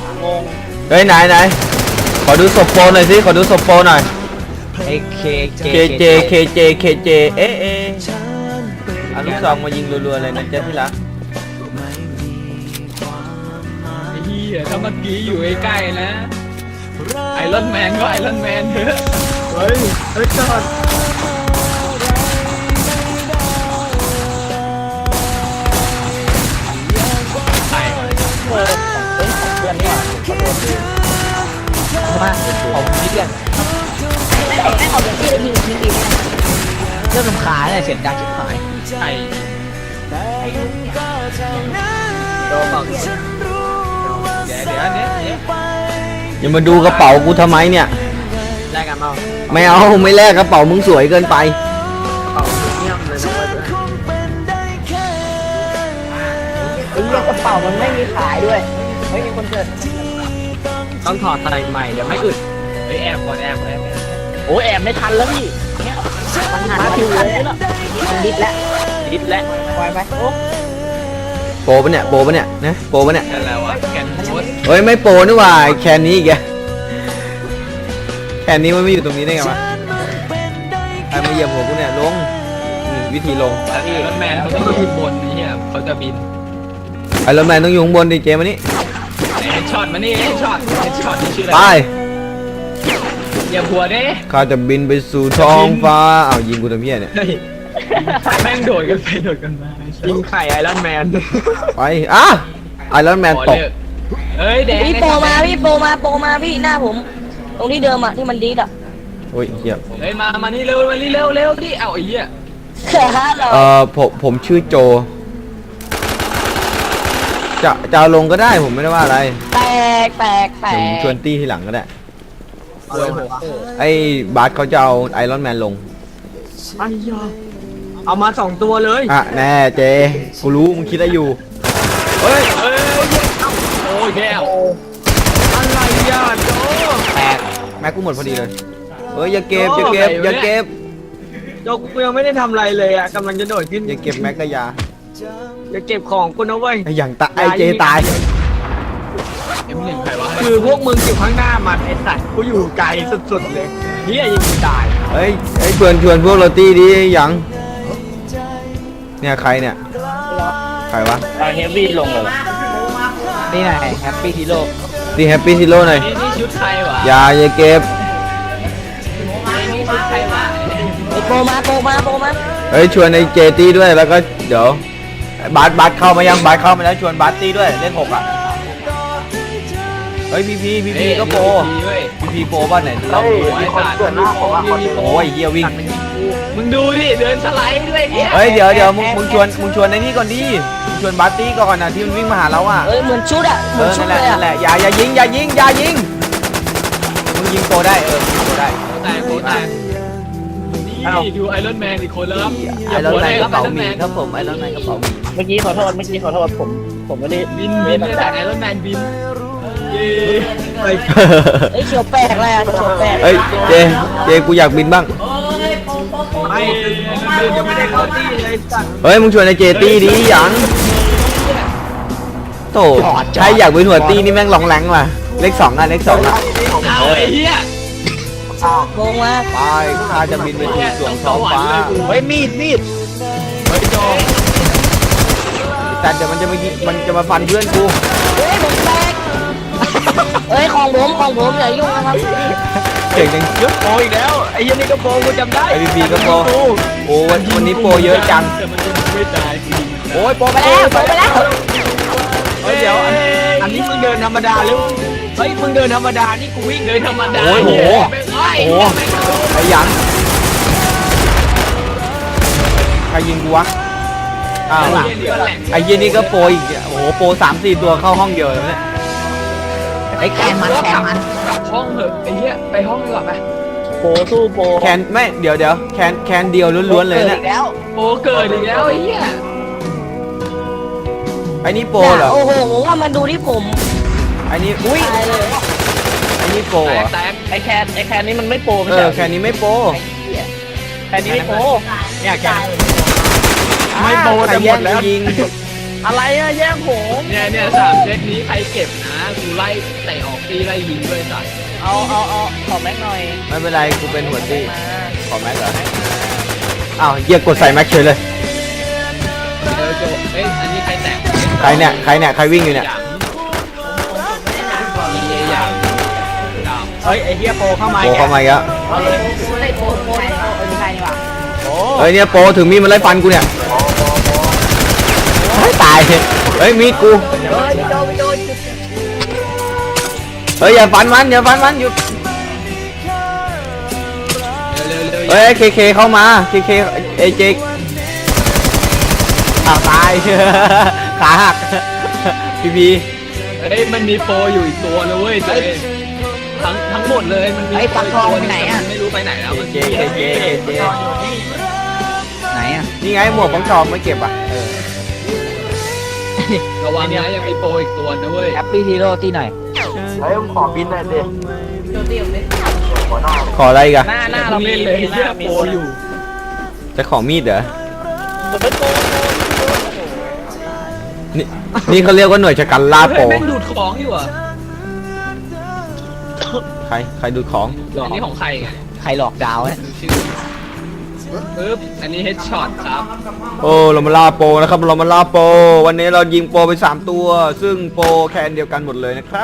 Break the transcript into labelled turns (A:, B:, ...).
A: งง
B: เฮ้ยไหนขอดูศพโปรหน่อยสิขอดูศพโปรหน่อย
A: ไอ้เคเจ
B: KJ เอ๊ะเอาลูกซองมายิงรัวๆเลยนะเจ๊ที่รัก
C: ไอ้เหี้ยถ้าเมื่อกี้อยู่ใกล้ๆนะไอรอนแมนก็ไอรอนแมนเถอะ
A: เฮ้ยจอด
C: ไอ้
A: เพื่อนนี่หว่ามาผมนิดเดียวไม่เอาแบบที่เรายิงทีนี้เริ่มรำคาญเลยเสียงดังชิบหาย
C: ไอ้
A: โดนบอก
C: เดี๋ยวอันเนี้ย
B: อย่ามาดูกระเป๋ากูทำไมเนี่ย
A: แลกกันเมา
B: ไม่เอาไม่แลกกระเป๋ามึงสวยเกินไป
A: เป่าเงียบเลยนะไอ้เรื่องกระเป๋ามันไม่มีขายด้วยเฮ้ยมีคนเกิดต้องถอดใส่ใหม่เดี๋ยวไม่อึด
C: เฮ้ยแอบก่อนแอบ
A: โอ้แอบไม่ทันแล้วพี่เนี่ยมันหันมาถึงเลยแล้วมันดิดแล้วปล่อยไปโอ้
B: โปรปะเนี่ยนะโปรปะเนี่ย
C: นั่นแหละวะแกนโพส
B: เฮ้ยไม่โปรนี่หว่าแคนนี้อีกแกแคนนี้มันไม่อยู่ตรงนี้ได้ไงวะใครมาเหยียบหัวกูเนี่ยลงวิธีลง
C: ไอรอนแมนเขาต้องอยู่บนนี่อ่ะเขาจะบิน
B: ไอรอนแมนต้องอยู่ข้างบนดิเจมานี่
C: ไอ้ช็อตมานี่ไอ้ช็อตนี่ชื่ออะไร
B: ไป
C: อย่าหัวเด้
B: ข้าจะบินไปสู่ท้องฟ้าอ้าวยิงกูทำเพี้ยเนี่ย
C: เฮ้ยแม่งโดดกันไปโดดกันมา
A: ยิงไข่ไอรอนแมน
B: ไปอ่ะไอรอนแมนตก
C: เฮ้ยแดง
D: พี่โปมาพี่หน้าผม ตรงที่เดิมอะที่มันดีดอะ
B: โอ้ยเหี้ย
C: เฮ้ยมานี่เร็วดิเอาไอ้เหี้ย
D: เรา
B: ผมชื่อโจจะเอาลงก็ได้ผมไม่ได้ว่าอะไร
D: แตก
B: ผมชวนตี้ทีหลังก็ได้ไอ้บาสเขาจะเอาไอรอนแมนลง
A: ไอ้ยาเอามา2 ตัวเลย
B: อ่ะแน่เจกูรู้มึงคิดอะไรอยู่เฮ้ย
C: โอ้ยแก้ว
A: อะไรยาโจ
B: แตกแม็กกูหมดพอดีเลยเฮ้ยอย่าเก็บ
A: โอ้
B: อย่าเก็บ
A: ไหนวะเนี่ย
B: อย่าเก็บ
A: โจกูยังไม่ได้ทำอะไรเลยอ่ะกำลังจะโดดขึ้น
B: อย่าเก็บแม็กกะยา
A: อย่าเก็บของกูนะเว้ย
B: ไอ้อย่างตายไอ้เจตาย
C: M1 ใครวะ
A: คือพวกมึงอยู่ข้างหน้ามันไอ้สัตว์กูอยู่ไกลสุดๆเลยเฮียยังไม่ตาย
B: เฮ้ยไอ้ชวนพวกเราตีดิยังเนี่ยใครเนี่ยใครวะ
A: เฮฟวี่ลงเลยนี่ไงแฮปปี้ฮีโร่
B: ตีแฮปปี้ซีโร่หน่อย
C: นี่ชุดใครวะ
B: อย่าเก็บ
C: นี่ชุดใครวะ
D: ไอโปมา
B: เฮ้ยชวนไอ้เจตีด้วยแล้วก็เดี๋ยวบาสเข้ามายังบาสเข้ามาแล้วชวนบาสตีด้วยเลข 6อ่ะเฮ้ยพีก็โปร พีโปรบ้านไหนเรา
C: ไอ้สัตว์
B: โอ้ยเฮียวิ่ง
C: มึงดูดิเดินสไลด์ด้วยเนี่ย
B: เฮ้ยเดี๋ยวมึงชวนไอ้นี่ก่อนดิมึงชวนบาสตีก่อนนะที่มันวิ่งมาหาเราอ่ะ
D: เอ้ยเหมือนชุดอะเหมือนชุด
B: นั่น
D: เลย
B: แหละ
D: อะ
B: อย่ายิงมึงยิงโปรได้ยิงโปรได้
C: แต่นี่ดูไอรอนแมนอีกคนแล้วครับ
B: ไอรอนแมนกระเป๋าหมีครับผมไอรอนแมนกระเป๋าหมี
A: เมื่อกี้ขอโทษผมไม่ได้
C: บินเนี่ยแต่ไอรอนแมนบินเย้
D: เอ้ยเขียวแปลกเลยอะเขียวแปลก
B: เฮ้ยเจกูอยากบินบ้าง
A: ไม่ยังไม่ได้เข้าที่เลยสัตว์
B: เฮ้ยมึงชวนไอเจตีดิหยังโตใช่อยากเป็นหัวตีนี่แม่งลองแรงว่ะเลข 2อ่ะเลข 2อ่ะ
C: เอาไอ้เหี้ย
D: โกงมา
B: ไปข้าจะบินไปสู่สวงท้องฟ้า
A: เฮ้ยมีด
C: เฮ้ยโจ
B: แต่เดี๋ยวมันจะมาฟันเพื่อนกู
D: เฮ้ยผมแตกเอ้ยของผมอย่ายุ่งนะครับ
B: เก่งจัง
A: ยกโปอีกแล้วไอ้ยันนี่ก็โปกูจำได้
B: ไอพีก็โปรโอ้วันนี้โปรเยอะจัง
C: แต่มันจะไม่ตาย
B: โอ้ยโปร
D: ไปแล้ว
A: เฮ้ยเดี๋ยวอันนี้มึงเดินธรรมดาหรือเฮ้ยมึงเดินธรรมดานี่กูวิ่ง
C: เดินธรรมดา
B: โอ้โหไอหยังใครยิงกูวะอ้าวไอเหี้ยนี่ก็โปรอีกโอ้โหโปร3-4 ตัวเข้าห้องเดียวเลยเนี่ย
D: ไอ้แกมัน
C: กลับห้องเถอะไอ้เหี้ยไปห้องดีกว่าไป
A: โปสู้โป
B: แคนไม่เดี๋ยวแคนเดียวล้วนๆเลยเนี่ย
D: แล้ว
C: โอ้เกิดอีกแล้วไอ้เหี้ย
B: ไอ้นี่โปรเหรอ
D: โอ้โหผมว่ามันดูที่ผม
B: ไอ้นี่อุ้ย
D: ตายเลย
B: ไอ้นี่โปรเหรอ
C: แตก
A: ไอแคนนี่มันไม่โปไม่
B: เอ
A: ใช่
B: อแคนนี้ไม่โปร
A: แคนนี้ไม่โปเนี่ยแคน
B: ไม่โปรแต่หมดแล้วยิง
A: อะไรอะแย่งผม
C: เนี่ยสามเซตนี้ใครเก็บนะกูไล่เตะออกตีไล่ยิงด้วยสัตว์
A: เอาขอแม็กหน่อย
B: ไม่เป็นไรกูเป็นหัวตี้
A: มา
B: ขอแม็กเหรออ้าวเหี้ยกดใส่แม็กเฉยเลย
C: โจเอ้ยอันนี้ใครแตก
B: ใครเนี่ยใครวิ่งอยู่เนี่ย
C: หยาง
A: เฮ้ยไอ้เฮียโปเข้ามา
B: โปเข้ามาอีกแล้ว
D: เอาเลยไล่โปโปไม่ใช่นี่หว่า
A: โอ้
B: เฮ้ยเนี่ยโปถึงมีดมันไล่ฟันกูเนี่ยเฮ้ยตายเฮ้ยมีดกู
A: เฮ้ยพี่โด
B: เฮ้ยอย่าฟันมันหยุด
C: เร็ว
B: เฮ้ยเคเข้ามาเคเอเจอ้าวตาย ขาหักพี
C: เฮ้ยมันมีโปรอยู่อีกตัวนะเว้ยเจ๊ทั้งหมดเลยมันมีไม่รู้ไปไหนแล้วมัน
B: เจ
A: ไหนอะ
B: นี่ไงหมวกของชอมไม่เก็บอ่ะ
C: ระวังนะยังมีโปรอีกตัวนะเว้ย
A: แอปปี้ฮีโร่ที่ไหน
B: ขออะไรอีกัน
A: หน้า
C: เรา
A: เรา
C: เล่นเลยเหี้ยโปรอยู่
B: จะขอมีดเหรอนี่เขาเรียกว่าหน่วยชะกันล่าโป
C: แม่งดูดของอยู่อ่ะ
B: ใครดูดของ
C: อันนี้ของใครไง
A: ใครหลอกดาวเนี่ย
C: ชื่อปึ๊บอันนี้เฮดช็อตครับ
B: โอ้เรามาล่าโปนะครับเรามาล่าโปวันนี้เรายิงโปไป3ตัวซึ่งโปแคนเดียวกันหมดเลยนะครับ